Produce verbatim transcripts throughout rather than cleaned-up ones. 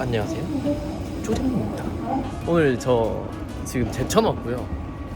안녕하세요, 조정입니다. 오늘 저 지금 제천 왔고요.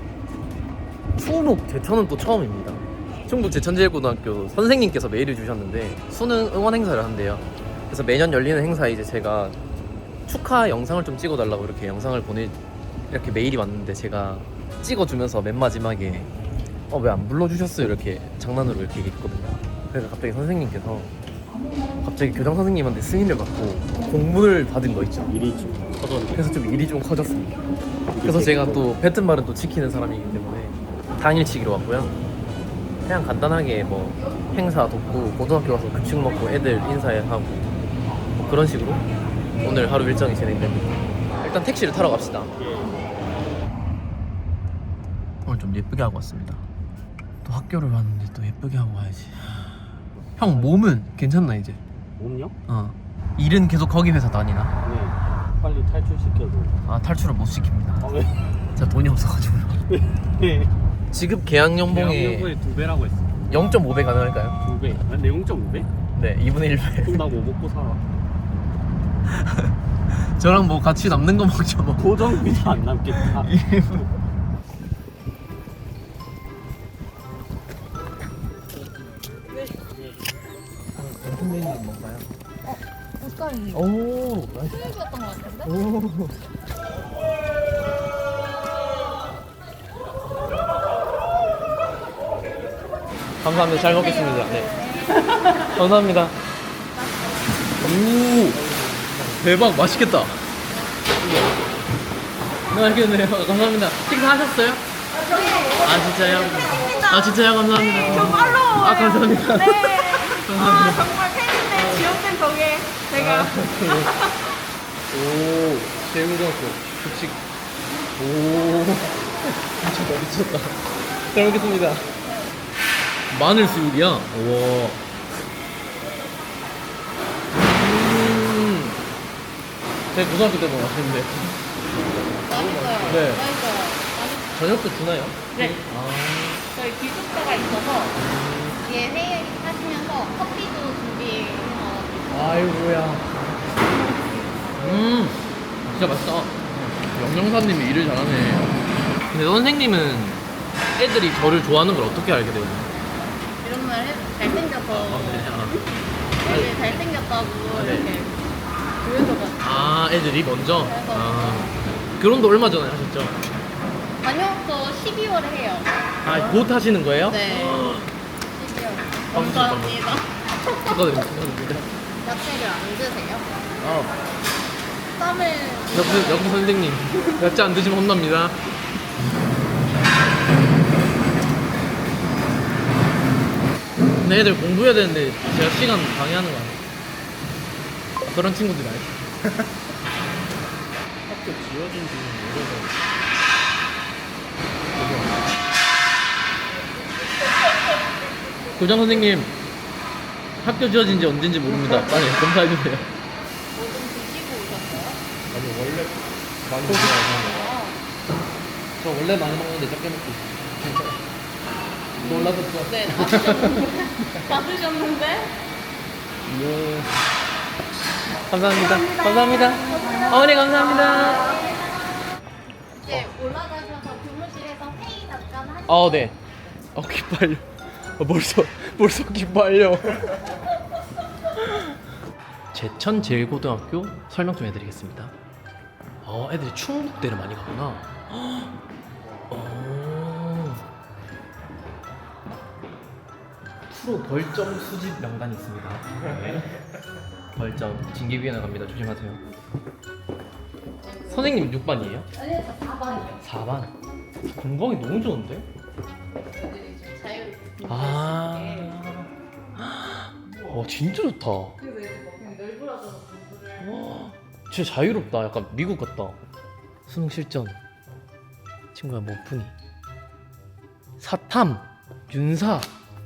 충북 제천은 또 처음입니다. 충북 제천제일고등학교 선생님께서 메일을 주셨는데 수능 응원 행사를 한대요. 그래서 매년 열리는 행사에 이제 제가 축하 영상을 좀 찍어달라고 이렇게 영상을 보내 이렇게 메일이 왔는데 제가 찍어주면서 맨 마지막에 어 왜 안 불러주셨어요 이렇게 장난으로 이렇게 얘기했거든요. 그래서 갑자기 선생님께서 갑자기 교장 선생님한테 승인을 받고 공문을 받은 거 있죠. 일이 좀 커졌네. 그래서 좀 일이 좀 커졌습니다. 그래서 제가 또 뱉은 말은 또 지키는 사람이기 때문에 당일치기로 왔고요. 그냥 간단하게 뭐 행사 돕고 고등학교 가서 급식 먹고 애들 인사하고 뭐 그런 식으로 오늘 하루 일정이 진행됩니다. 일단 택시를 타러 갑시다. 오늘 좀 예쁘게 하고 왔습니다. 또 학교를 왔는데 또 예쁘게 하고 와야지. 형 몸은 괜찮나 이제? 몸요? 어. 일은 계속 거기 회사 다니나? 네. 빨리 탈출시켜줘. 아 탈출을 못 시킵니다. 아 왜? 제가 돈이 없어가지고요. 네. 지급 계약 연봉에 연봉에 두 배라고 했어. 영 점 오 배 가능할까요? 두 배. 난 내 영 점 오 배? 네, 이분의 일 배. 그럼 나 뭐 먹고 살아? 저랑 뭐 같이 남는 거 먹죠 뭐. 고정비도 안 남겠다. 무슨 메뉴 뭔가요? 옷감이 오, 나이스. 플래시였던 것 같은데? 오. 감사합니다. 잘 먹겠습니다. 네. 감사합니다. 오, 대박, 맛있겠다. 네, 맛있겠네요. 감사합니다. 식사하셨어요? 아, 진짜요? 아, 진짜요? 감사합니다. 저 팔로워예요. 아, 감사합니다. 네. 감사합니다. 아, 정말 팬인데 지원된 덕에 제가 아, 오, 제일고등학교 급식. 오, 미쳤다, 미쳤다. 잘 먹겠습니다. 마늘 수육이야? 우와. 음, 제 고등학교 때 먹었는데. 맛있어요. 네. 맛있어요. 저녁도 주나요? 네. 아, 저희 기숙사가 있어서 뒤에 회의 하시면서 커피도 준비해서 아이고야. 음, 진짜 맛있다. 영영사님이 일을 잘하네. 근데 선생님은 애들이 저를 좋아하는 걸 어떻게 알게 돼요? 이런 말 해, 잘생겨서 아, 네. 아. 되게 잘생겼다고 네. 이렇게 보여줘가지고 아, 애들이 먼저? 아, 결혼도 얼마 전에 하셨죠? 아니요, 저 십이월에 해요. 아, 곧 하시는 거예요? 네. 십이월. 감사합니다. 감사합니다. 축하드립니다. 축하드립니다. 야채를 안 드세요? 아, 쌈을 역시, 역시 선생님. 야채 안 드시면 혼납니다. 근데 애들 공부해야 되는데 제가 시간 방해하는 거 아니에요? 그런 친구들이 알죠? 학교 지어진 지는 오래돼서. 교장 선생님, 학교 지어진 지 언젠지 모릅니다. 빨리 검사해주세요. 뭐 좀 드시고 오셨어요? 아니 원래 많이 좋아하는 저 원래 많이 먹는데 적게 먹고 있어요. 놀라셨죠? 네, 다 드셨는데? 다 드셨는데? 예. 감사합니다. 감사합니다. 어머니 감사합니다. 이제 올라가셔서 교무실에서 회의 잠깐 하시고 아, 네. 어, 기빨려. 어, 벌써, 벌써 기빨려. 제천 제일고등학교 설명 좀 해드리겠습니다. 어, 애들이 충북대를 많이 가구나. 어. 프로 벌점 수집 명단이 있습니다. 네. 벌점 징계위원회 갑니다. 조심하세요. 선생님 육 반이에요? 아니요, 저 사 반이요. 사 반. 건강이 너무 좋은데? 애들이 좀 자유롭게 아. 와, 진짜 좋다. 그래서 이제 막 그냥 널브러져서 공부를 와, 진짜 자유롭다. 약간 미국 같다. 수능 실전. 친구야, 뭐 푼이? 사탐, 윤사.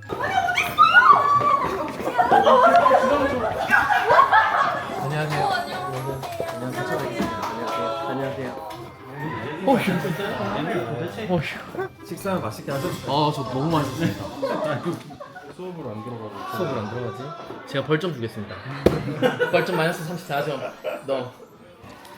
안녕하세요. 안녕하세요. 안녕하세요. 어휴. 어휴. 식사 맛있게 하셨어요? 아, 저 너무 맛있습니다. 수업으로 안 들어가고 수업을 안 들어가지? 제가 벌점 주겠습니다. 벌점 마이너스 삼십사 점. 너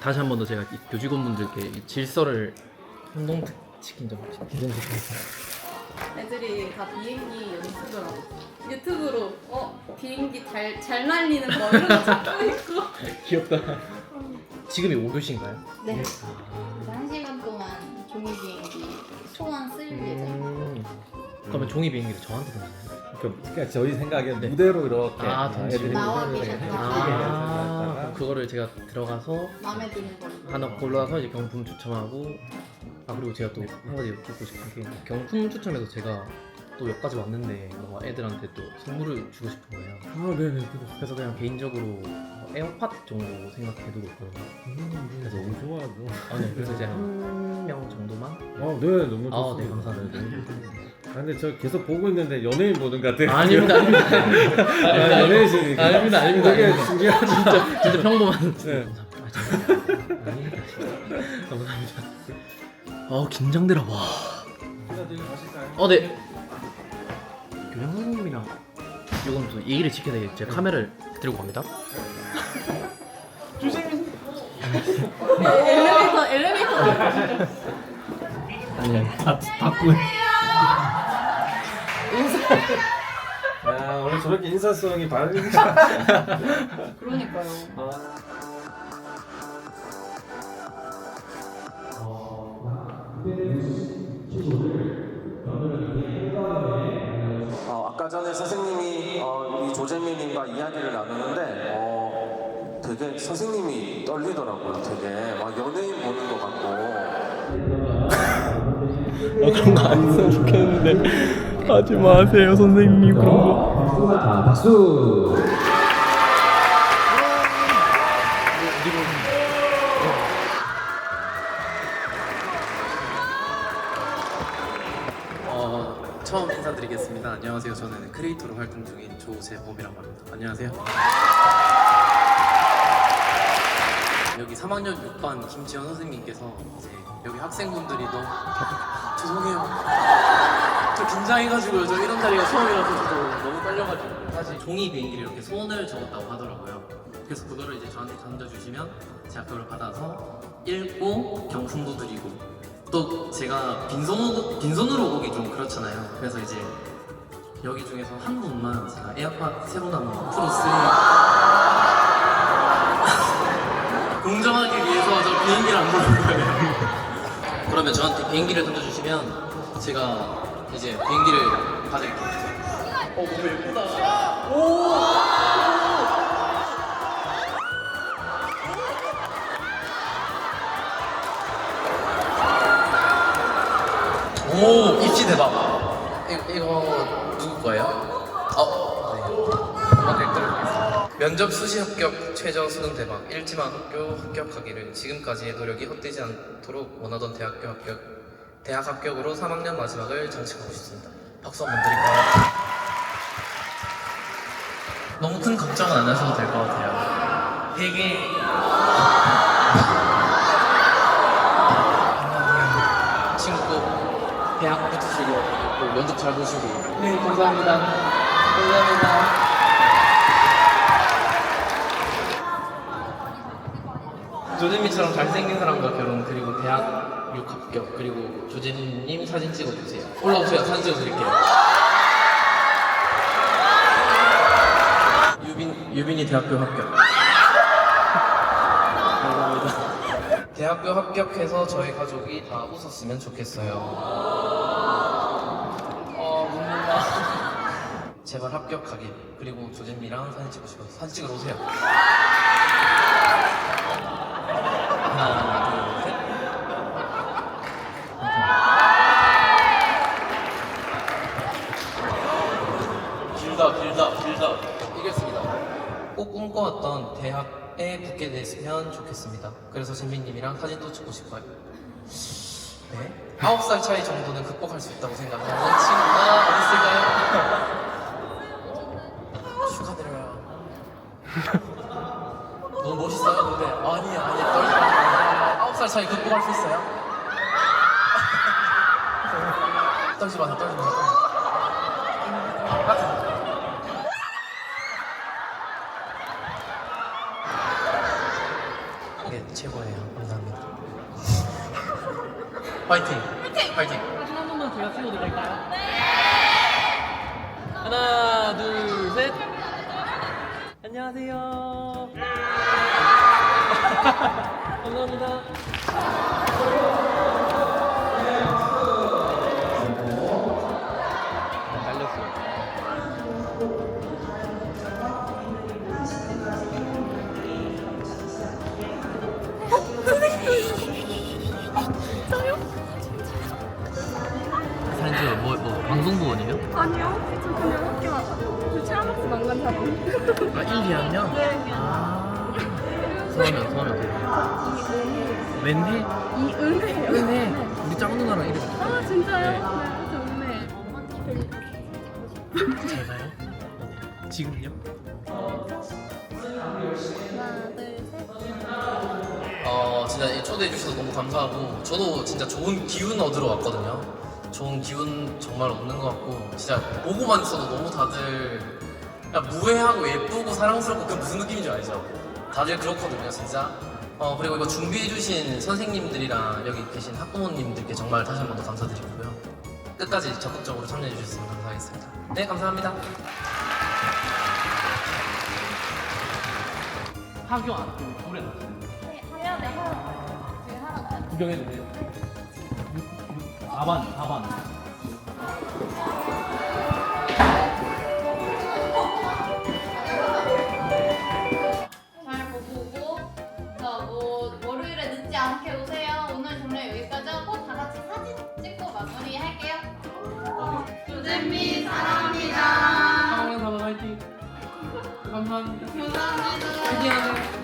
다시 한 번 더 제가 이 교직원분들께 이 질서를 한동특 치킨점 기존식하겠습니다. 애들이 다 비행기 연습을 하고 있어. 유튜브로 어 비행기 잘, 잘 날리는 거 이런 거 찾고 있고. 귀엽다. 지금이 오 교시인가요? 네. 그래서 한 시간 동안 종이 비행기 소원 쓸 예정입니다. 음. 그러면 종이 비행기를 저한테 던지나요? 그러니까 저희 생각엔 네. 무대로 이렇게 아, 던지고. 나와 무대로 계셨다. 이렇게 아, 크게 그럼 그거를 제가 들어가서 마음에 드는 걸로. 하나 골라서 이제 경품 추첨하고 아 그리고 제가 또 한 가지 여쭙고 싶은 게 경품 추첨에서 제가 또 여기까지 왔는데 뭔가 애들한테 또 선물을 주고 싶은 거예요. 아 네네. 그래서 그냥 개인적으로 뭐 에어팟 정도 생각해두고 있거든요. 그래서 너무 좋아하죠. 아, 네. 그래서 이제 한 명 정도만. 아, 네, 너무 좋습니다. 아, 네, 감사합니다. 아, 근데 저 계속 보고 있는데 연예인 보는 것 같아요. 아닙니다, 아닙니다. 아, 연예인이시니까. 아닙니다, 아닙니다. 되게 아닙니다. 신기하죠. 진짜 진짜 평범한. 네. 감사합니다. 아, 진짜. 아닙니다. 진짜. 감사합니다. 아 긴장되라 와. 어 네. 교장 선생님이랑 이건 또 예의를 지켜야 되겠죠. 제가 카메라를 들고 갑니다. 엘리베이터 엘리베이터. 아니 아니. 아 바꾸. 야, 오늘 저렇게 인사성이 바른. 그러니까요. 어, 아까 전에 선생님이 어, 우리 조재민님과 이야기를 나누는데 어, 되게 선생님이 떨리더라고요. 되게 막 연예인 보는 것 같고. 아, 그런 거 안 했으면 좋겠는데 하지 마세요 선생님 그런 거. 아, 박수. 어, 처음 인사드리겠습니다. 안녕하세요. 저는 크리에이터로 활동 중인 조재범이라고 합니다. 안녕하세요. 여기 삼 학년 육 반 김지현 선생님께서 이제 여기 학생분들이 너무 죄송해요. 저 긴장해가지고요. 저 이런 자리가 처음이라서 저도 너무 떨려가지고 사실 종이 비행기를 이렇게 소원을 적었다고 하더라고요. 그래서 그거를 이제 저한테 던져주시면 제가 그걸 받아서 읽고 경품도 드리고 또 제가 빈손으로, 빈손으로 오기 좀 그렇잖아요. 그래서 이제 여기 중에서 한 분만 제가 에어팟 새로 나온 프로 쓰리 공정하기 위해서 저 비행기를 안 부른 거예요. 그러면 저한테 비행기를 던져주시면 제가 이제 비행기를 받을게요. 어, 너무 예쁘다. 오! 오, 입시 대박. 이, 이거 누구 거예요? 어, 네. 음악 읽도록 면접 수시 합격 최저 수능 대박 일지만 학교 합격하기를 지금까지의 노력이 헛되지 않도록 원하던 대학교 합격 대학 합격으로 삼 학년 마지막을 장식하고 싶습니다. 박수 한번 드릴까요? 너무 큰 걱정은 안 하셔도 될 것 같아요. 되게 친구 대학 붙으시고 또 면접 잘 보시고 네 감사합니다. 감사합니다. 조재민처럼 잘생긴 사람과 결혼 그리고 대학 육 합격 그리고 조재민님 사진 찍어주세요. 올라오세요. 사진 찍어드릴게요. 유빈, 유빈이 대학교 합격. 감사합니다. 대학교 합격해서 저희 가족이 다 웃었으면 좋겠어요. 어, 눈물나. 제발 합격하길. 그리고 조재민이랑 사진 찍고 싶어서 사진 찍으러 오세요. 하나, 둘, 셋. 길다, 길다, 길다. 이겼습니다. 꼭 꿈꿔왔던 대학에 붙게 됐으면 좋겠습니다. 그래서 진민님이랑 사진도 찍고 싶어요. 네. 아홉 살 차이 정도는 극복할 수 있다고 생각하는 친구가 어디 있을까요? 축하드려요. 너무 멋있어요, 근데. 아니, 아니, 떨지 마세요. 아홉 살 차이 극복할 수 있어요? 떨지 마세요, 떨지 마세요. 오케이. 최고예요. 감사합니다. 파이팅! 파이팅! 사진 한 번만 제가 찍어도 될까요? 네! 하나, 둘, 셋! 안녕하세요. 감사합니다. 사진 찍어 뭐, 뭐 방송부원이에요? 아니요. 저 그냥 학교 저 체험학습 안간 사람. 아 일, 이 학년? 네. 아 성함이 성함이 어떻게 돼요? 웬해? 이은혜요. 은혜 우리 짱 누나랑 이름 아 진짜요? 네. 네. 저 은혜. 잘 가요? 어, 지금요? 하나 둘 셋. 어 진짜 이 초대해 주셔서 너무 감사하고 저도 진짜 좋은 기운 얻으러 왔거든요. 좋은 기운 정말 얻는 것 같고 진짜 보고만 있어도 너무 다들 그냥 무해하고 예쁘고 사랑스럽고 그 무슨 느낌인지 알죠? 다들 그렇거든요 진짜. 어 그리고 이거 준비해 주신 선생님들이랑 여기 계신 학부모님들께 정말 다시 한 번 더 감사드리고요. 끝까지 적극적으로 참여해 주셨으면 감사하겠습니다. 네 감사합니다. 학교 안 하고 노래 안 하고 해야 돼. 지금 하나 더. 구경해도 돼요? 사 반, 사 반. 잘 보고 자뭐 월요일에 늦지 않게 오세요. 오늘 정말 여기까지 하고 다 같이 사진 찍고 마무리할게요. 조잼미 사랑합니다. 사랑하는 사람 화이팅. 감사합니다. 감사합니다. 화이팅 하세요.